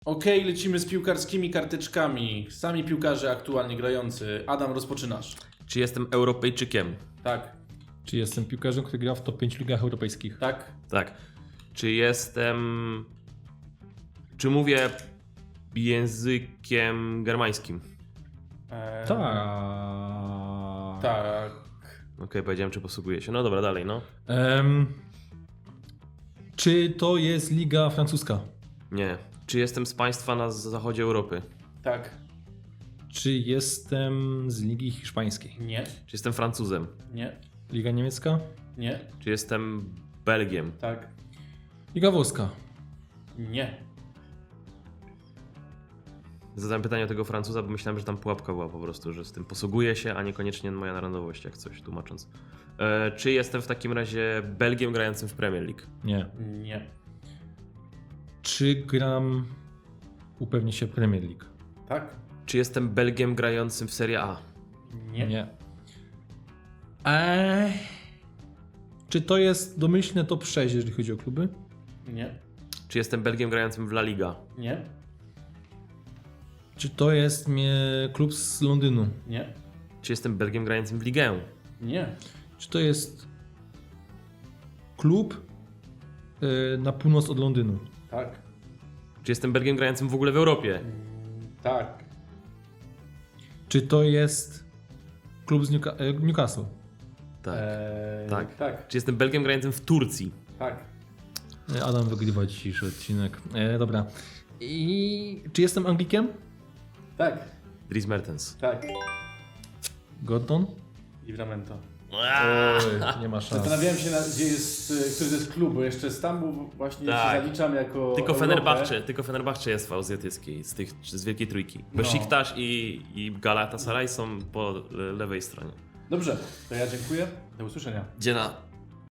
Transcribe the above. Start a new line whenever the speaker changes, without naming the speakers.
Okej, lecimy z piłkarskimi karteczkami. Sami piłkarze aktualnie grający. Adam, rozpoczynasz.
Czy jestem Europejczykiem?
Tak.
Czy jestem piłkarzem, który gra w top 5 ligach europejskich?
Tak.
Tak. Czy mówię językiem germańskim?
Tak.
Tak.
Okej, powiedziałem, czy posługuję się. No dobra, dalej, no.
Czy to jest liga francuska?
Nie. Czy jestem z państwa na zachodzie Europy?
Tak.
Czy jestem z ligi hiszpańskiej?
Nie.
Czy jestem Francuzem?
Nie.
Liga niemiecka?
Nie.
Czy jestem Belgiem?
Tak.
Liga włoska?
Nie.
Zadałem pytanie o tego Francuza, bo myślałem, że tam pułapka była po prostu, że z tym posługuję się, a niekoniecznie moja narodowość, jak coś tłumacząc. Czy jestem w takim razie Belgiem grającym w Premier League?
Nie.
Nie.
Czy gram, upewnię się, Premier League?
Tak.
Czy jestem Belgiem grającym w Serie A?
Nie.
Czy to jest domyślne top 6, jeżeli chodzi o kluby?
Nie.
Czy jestem Belgiem grającym w La Liga?
Nie.
Czy to jest klub z Londynu?
Nie.
Czy jestem Belgiem grającym w Ligę?
Nie.
Czy to jest klub na północ od Londynu?
Tak.
Czy jestem Belgiem grającym w ogóle w Europie?
Tak.
Czy to jest klub z Newcastle?
Tak.
Tak. Tak.
Czy jestem Belgiem grającym w Turcji?
Tak.
Adam wygrywa dzisiejszy odcinek. Dobra. I czy jestem Anglikiem?
Tak.
Dries Mertens.
Tak.
Gordon?
Livramento.
Nie ma szans.
Zastanawiałem się, gdzie jest, który to jest klub, bo jeszcze Stambuł właśnie
Tak.
się zaliczam jako
Tylko
Europę.
Fenerbahce jest w azjatyckiej, z Wielkiej Trójki.
No.
Besiktas i Galatasaray są po lewej stronie.
Dobrze, to ja dziękuję. Do usłyszenia.
Dziena.